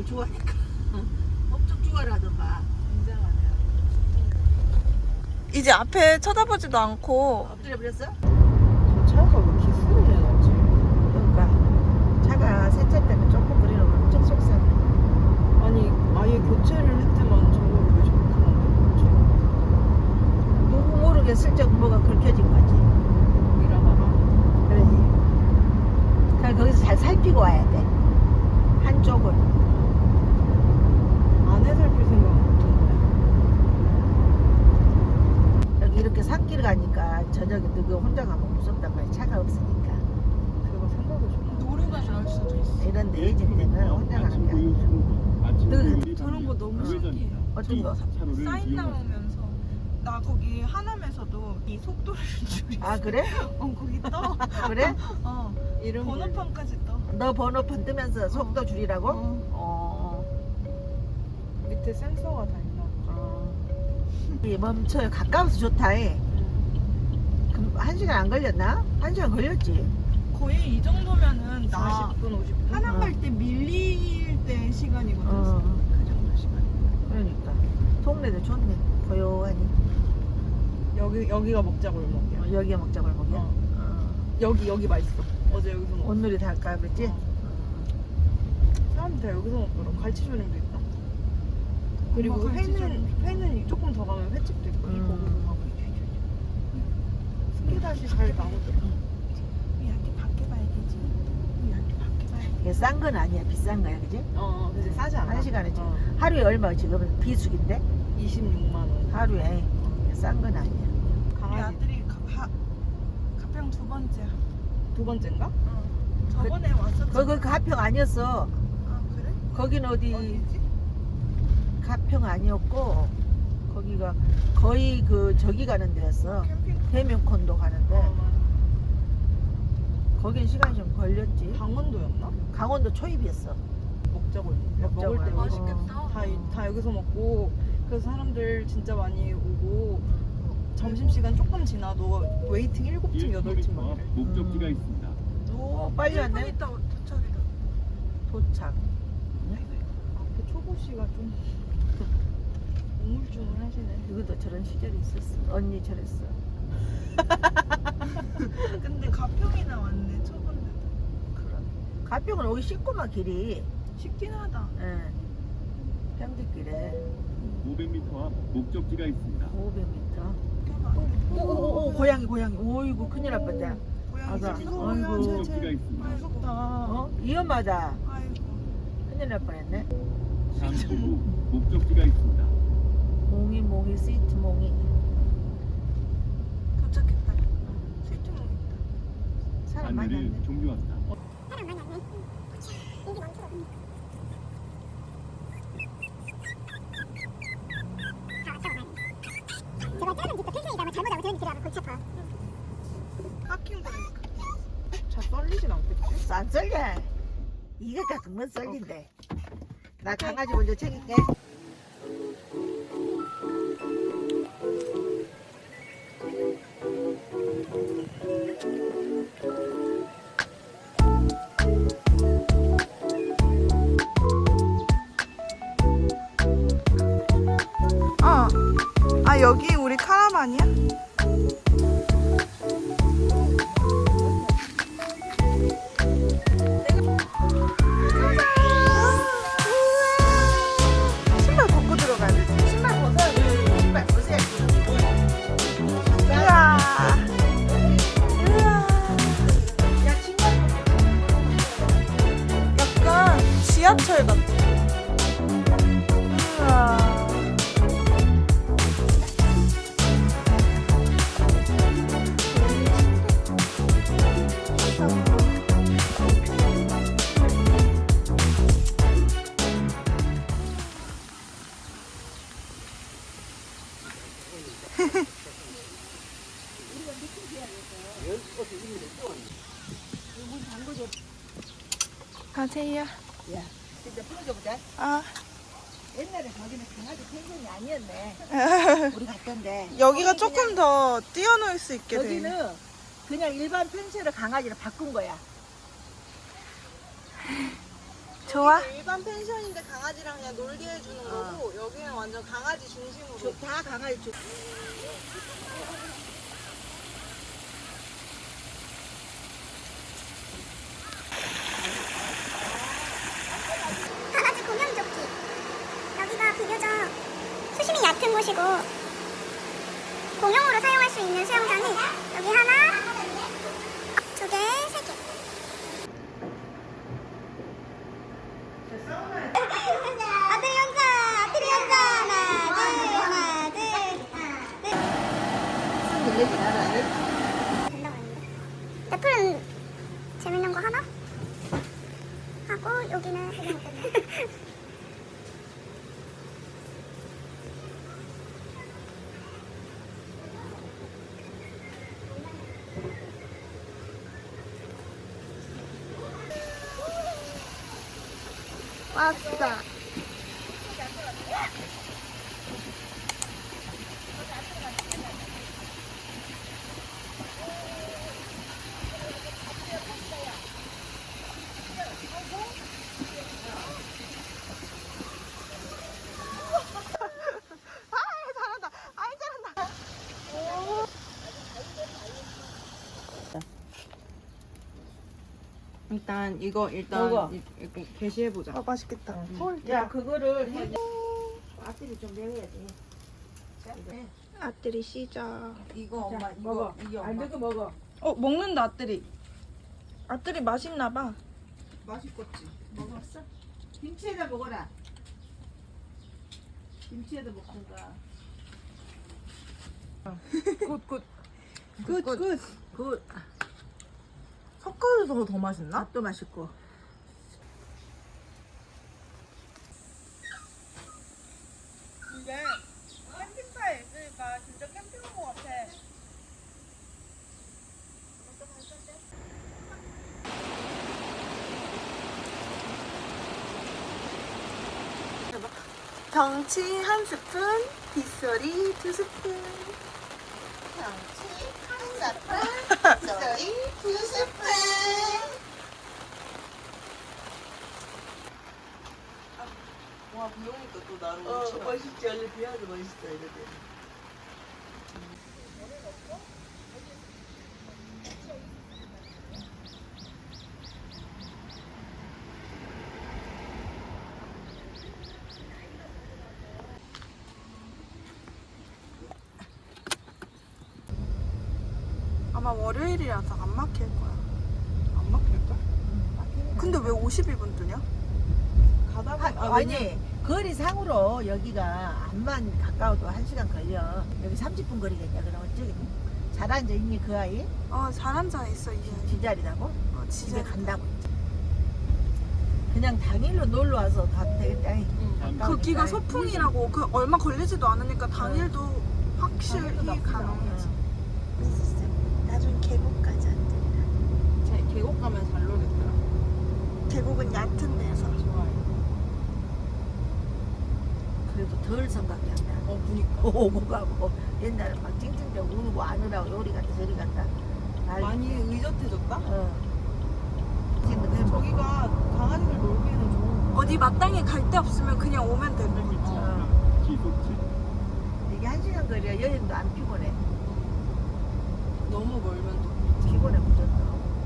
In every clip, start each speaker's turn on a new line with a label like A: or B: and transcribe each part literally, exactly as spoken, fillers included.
A: 또 좋아하니까 엄청 좋아하더만.
B: 굉장하네요.
C: 이제 앞에 쳐다보지도 않고.
A: 엎드려 버렸어?
B: 저 차가 왜 기스를 내놨지?
A: 그러니까 차가 세차 때문에 조금 그리는 거 엄청 속상해.
B: 아니 아예 교체를 했지만 저거를 왜 저렇게 만들었지?
A: 누구 모르게 슬쩍 뭐가 긁혀진 거지.
B: 일하다가
A: 그러지. 그러니까 거기서 잘 살피고 와야 돼. 한쪽을.
B: 안에 살필 생각 못했네.
A: 여기 이렇게 산길 가니까 저녁에 너그 혼자 가면 무섭단 말이야. 차가 없으니까.
B: 그거 생각을 좀
C: 노루가 나올 수도 있어.
A: 이런 데 이집 때는 혼자 가는 게 아니야. 너
C: 저런 거 너무 신기해요.
A: 어떤 거?
C: 사인 나오면서 나 거기 하남에서도 이 속도를 줄이.
A: 아 그래?
C: 어 거기 떠.
A: 그래?
C: 어
B: 이름
C: 번호판까지 떠.
A: 너 번호판 뜨면서 속도 줄이라고?
C: 어.
A: 어.
B: 밑에 센서가 다 있나 보다.
A: 어. 이 멈춰요. 가까워서 좋다. 해. 그럼 한 시간 안 걸렸나? 한 시간 걸렸지.
C: 거의 이 정도면은 나
B: 사십 분 오십 분?
C: 하남
A: 어.
C: 갈 때 밀릴 때 시간이거든.
A: 어.
C: 그 정도 시간.
A: 그러니까 동네도 좋네. 고요하니.
B: 여기 여기가 먹자 골목이야.
A: 어, 여기가 먹자 골목이야.
B: 어.
A: 어.
B: 여기 여기 맛있어. 어제 여기서 먹었어.
A: 온누리 다 할까 그랬지?
B: 어. 사람들 다 여기서 먹더라고. 갈치조림도 있다. 그리고
C: 엄마
B: 회는
C: 갈치조림.
B: 회는 조금 더 가면 횟집도 있고 이
A: 음.
B: 고구마하고 스키다시 잘 나오더라.
C: 우리한테 밖에 봐야 되지. 우리한테 밖에 봐야 돼.
A: 이게 싼 건 아니야. 비싼 거야. 그지?
B: 어, 어, 근데 싸지 않아.
A: 한 시간에 지금
B: 어,
A: 하루에 얼마 지금 비수기인데?
B: 이십육만 원.
A: 하루에 싼 건 아니야.
C: 우리
B: 강아지
C: 아들이 가, 하, 가평 두 번째야.
B: 두 번째인가?
C: 어. 저번에 왔었잖아.
A: 거기 그 가평 아니었어.
C: 아 그래?
A: 거긴 어디
C: 어디지?
A: 가평 아니었고 거기가 거의 그 저기 가는 데였어.
C: 캠핑.
A: 대명콘도 가는데
B: 어, 맞아.
A: 거긴 시간이 좀 걸렸지.
B: 강원도였나?
A: 강원도 초입이었어.
B: 먹자고 했는데
A: 먹자고
B: 먹을 때
A: 하고.
B: 여기서
C: 맛있겠다.
B: 다, 이- 다 여기서 먹고 그래서 사람들 진짜 많이 오고 점심시간 조금 지나도 웨이팅 일곱 팀, 여덟 팀 막 이래.
D: 목적지가
A: 음.
D: 있습니다.
A: 오 빨리
C: 일 분
A: 왔네.
C: 있다 도착이다.
A: 도착.
B: 앞에 초보씨가 좀 우물쭈물하시네.
A: 여기도 저런 시절이 있었어. 언니 저랬어.
C: 근데 가평이나 왔네 저번에도.
A: 그런. 가평은 오기 쉽구만 길이.
C: 쉽긴 하다.
A: 예. 평지길에
D: 오백 미터 앞 목적지가 있습니다.
A: 오백 미터.
C: 껴봐.
A: 오오오 고양이 고양이. 오이구 큰일 날 뻔했다.
C: 고양이
A: 맞아.
C: 집
A: 아이고.
D: 목적지가 있습니다.
C: 무섭다.
A: 어? 위험하다.
C: 아이고.
A: 큰일 날 뻔했네.
D: 잠시 후 목적지가 있습니다.
A: 몽이 몽이 스위트 몽이.
C: 도착했다. 스위트몽 있다.
A: 사람 많이
D: 안내를
A: 왔네.
D: 종료합니다.
E: 제가 짧은 집도 펜션이다 뭐 잘못 알고 들으니 그래 골치 아파.
C: 깎인 거니까.
B: 잘 썰리진 않겠지?
A: 안 썰려. 이가 가끔은 썰린대. 나 강아지 먼저 챙길게.
C: 어. 아 여기 우리 카라반이야? 신발 벗고 들어가야 돼.
A: 신발 벗어야지. 신발 벗어야지.
C: 우와. 우와.
A: 야 신발
C: 약간 지하철 같아. 우와. 가세요.
A: 야 진짜 풀어줘보자.
C: 아.
A: 옛날에 거기는 강아지 펜션이 아니었네. 우리 갔던데.
C: 여기가
A: 거기
C: 조금
A: 그냥-
C: 더 뛰어놀 수 있게 돼.
A: 여기는 그냥 일반 펜션을 강아지를 바꾼 거야.
C: 좋아? 일반 펜션인데 강아지랑 그냥 놀게 해주는
A: 어.
C: 거고 여기는 완전 강아지 중심으로.
A: 저- 다 강아지 쪽.
E: 강아지 공연 조끼. 여기가 비교적 수심이 얕은 곳이고 공용으로 사용할 수 있는 수영장이 여기 하나, 두 개, 세 개. 아들이 혼자, 아들이 혼자. 하나, 둘, 하나, 둘, 하나, 둘.
A: 손 들리지 않아?
E: 된다고 했는데. 애플은 재밌는 거 하나? 하고 여기는 그게 못됐네.
C: 왔다.
B: 일단 이거 일단
A: 먹어.
B: 이- 이거 게시해 보자.
C: 아 맛있겠다.
A: 야, 그거를 해. 앞뒤를 좀 내려야지.
C: 아들이 시작.
B: 이거 엄마 이거
A: 먹어.
B: 이게
A: 안
B: 엄마
A: 되고 먹어.
C: 어 먹는다 아들이. 아들이 맛있나 봐.
B: 맛있겠지.
A: 먹었어? 김치에다 먹어라. 김치에다 먹든가.
B: 굿굿
A: 굿, 굿. 굿.
B: 섞어서 더 맛있나?
A: 맛도 맛있고.
C: 이게 캠핑카에 있으니까 진짜 캠핑 온 것 같아. 경치 한 스푼, 빗소리 두 스푼. 경치 한 스푼, 빗소리 두 스푼.
B: 와 비오니까 또 나름
A: 어, 멋있지. 원래 비와도 멋있어, 이거들.
C: 아마 월요일이라서 안 막힐 거야.
B: 안 막힐까?
C: 근데 왜 오십일 분 뜨냐?
B: 가다
A: 하,
B: 보면
A: 아니, 거리상으로 여기가 암만 가까워도 한 시간 걸려. 여기 삼십 분 거리겠냐, 그러면 저기 잘 앉아있니, 그 아이?
C: 어, 잘 앉아 있어 이제.
A: 지자리라고?
C: 어,
A: 집에
C: 집에
A: 간다고 했지. 그냥 당일로 놀러 와서 가도 되겠다.
B: 응.
C: 거기가 소풍이라고 그 얼마 걸리지도 않으니까 당일도 확실히 가능하지. 나중에 계곡까지 안
B: 제 계곡 가면 잘 놀겠더라.
C: 돼. 계곡은 얕은 데서.
B: 좋아요.
A: 그래도 덜 생각이 안 나.
B: 어 보니까
A: 오고 가고 옛날에 막 찡찡대고 울고 안 오라고 요리 갔다 저리 갔다. 난리.
B: 많이 의젓해졌다.
A: 어.
B: 근데 저기가 강아지들 놀기에는 좋은.
C: 어디 마땅히 갈 데 없으면 그냥 오면 되는 거지.
A: 어.
D: 시속 칠
A: 이게 한 시간 거리야. 여행도 안 피곤해.
B: 너무 멀면 또
A: 피곤해 무조건.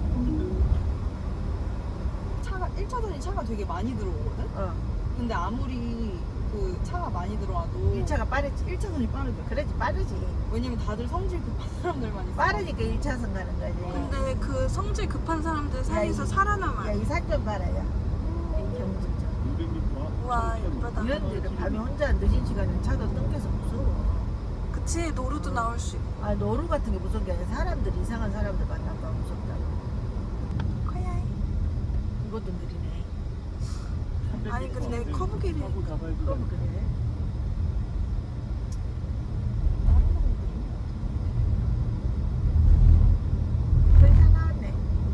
B: 차가 일 차선이 차가 되게 많이 들어오거든.
A: 어.
B: 근데 아무리 그 차가 많이 들어와도
A: 일 차가 빠르지.
B: 일 차선이 빠르대.
A: 그래지 빠르지.
B: 왜냐면 다들 성질 급한 사람들만 있어.
A: 빠르니까 일 차선 가는 거지.
C: 근데 그 성질 급한 사람들 사이에서
A: 야, 이-
C: 살아남아.
A: 야, 이 산 좀 봐라, 야. 이 경주점.
D: 오백 미터 앞
C: 우와 예쁘다.
A: 이런 데를 밤에 혼자 늦은 시간에 차도 땡겨서 무서워.
C: 그치 노루도 나올 수 있고.
A: 아, 노루 같은 게 무서운 게 아니라 사람들, 이상한 사람들 만나면 무섭다고.
C: 커야.
A: 이것도 느리네.
C: 아니, 근데 커브길이-
D: 커브 가발
A: 그럼
D: 구간
A: 그래. 거의 다 나왔네.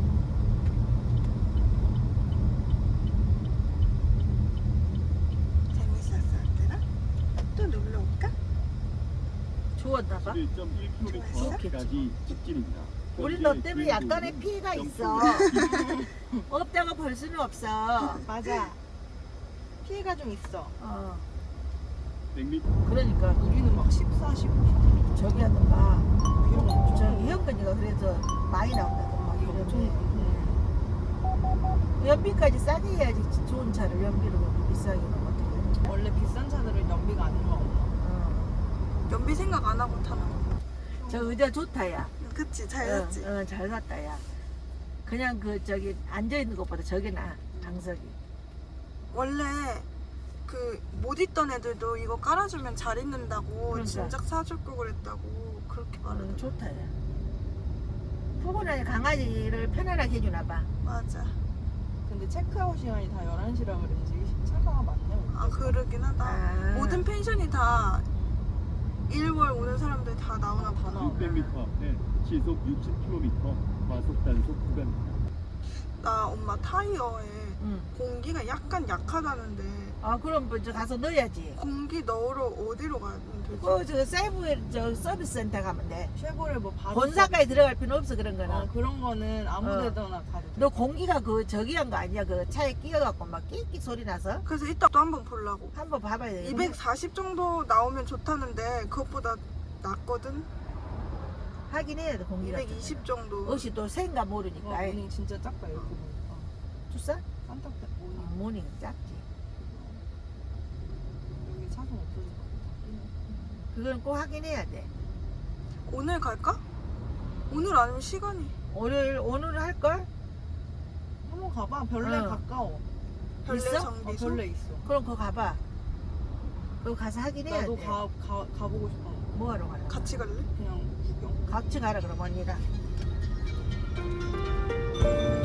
C: 재밌었어 얘들아? 또 놀러 올까?
A: 좋았나 봐.
D: 일 점 일 킬로미터
C: 좋았어?
D: 앞까지 직진입니다.
A: 우리 너 때문에 약간의 피해가 있어. 없다고 볼 수는 없어.
B: 맞아. 피해가 좀 있어.
A: 어.
D: 백 미터
A: 그러니까
B: 우리는 막 십사, 십오.
A: 저기 하는 막
B: 비용 엄청.
A: 저기 현근이가 그래서 많이 나온다더만 막
B: 엄청.
A: 이러네.
B: 음.
A: 연비까지 싸게 해야지 좋은 차를 연비로 그렇게 비싸게 하면 어떡해.
B: 원래 비싼 차들은 연비가 안 나와.
A: 어.
C: 연비 생각 안 하고 타는 거.
A: 저 의자 좋다 야.
C: 그치 잘
A: 어,
C: 샀지.
A: 어, 잘 샀다 야. 그냥 그 저기 앉아 있는 것보다 저게 나 방석이.
C: 원래 그 못 있던 애들도 이거 깔아주면 잘 있는다고
A: 그러니까.
C: 진작 사줄 거 그랬다고 그렇게
A: 음,
C: 말하더라고.
A: 좋다 야. 포근하게 강아지를 편안하게 해주나 봐.
C: 맞아.
B: 근데 체크아웃 시간이 다 열한 시라 그런지 차가 많네.
C: 아 그러긴 하다.
A: 아.
C: 모든 펜션이 다 일월 오는 사람들 다 나오나
B: 다
C: 봐.
B: 나와.
D: 육백 미터 앞에 시속 육십 킬로미터 과속 단속 구간입니다.
C: 나 엄마 타이어에
A: 응.
C: 공기가 약간 약하다는데
A: 아 그럼 먼저 가서 넣어야지.
C: 공기 넣으러 어디로 가면 되지?
A: 그저 세이브 저 서비스 센터 가면 돼.
B: 쉐보레 뭐 바로
A: 본사까지 들어갈 필요 없어 그런 거는.
B: 어, 그런 거는 아무
A: 어.
B: 데나 가도 돼.
A: 너 공기가 그 저기 한 거 아니야? 그 차에 끼어갖고 막 끽끽 소리 나서
C: 그래서 이따 또 한번 보려고.
A: 한번 봐봐야 돼.
C: 이백사십 정도 나오면 좋다는데 그것보다 낫거든.
A: 확인해야 돼 공기가.
C: 이백이십 정도.
A: 옷이 또 생가
B: 와,
A: 모르니까.
B: 모닝 진짜 작다 이거 보니까.
A: 주사?
B: 산타페 모닝.
A: 어, 모닝 작지.
B: 여기 차선 없어질 것 같아.
A: 그건 꼭 확인해야 돼.
C: 오늘 갈까? 오늘 아니면 시간이
A: 오늘 오늘 할 걸?
B: 한번 가봐. 별내
A: 어.
B: 가까워.
C: 별내
A: 있어?
B: 어,
C: 정비소.
B: 별내 있어.
A: 그럼 그거 가봐. 그거 가서 확인해야
B: 나도
A: 돼.
B: 가, 가, 가보고 싶어.
A: 뭐 하러 가는 거야?
C: 같이 갈래?
B: 그냥 구경.
A: 같이 가라 그럼 언니랑.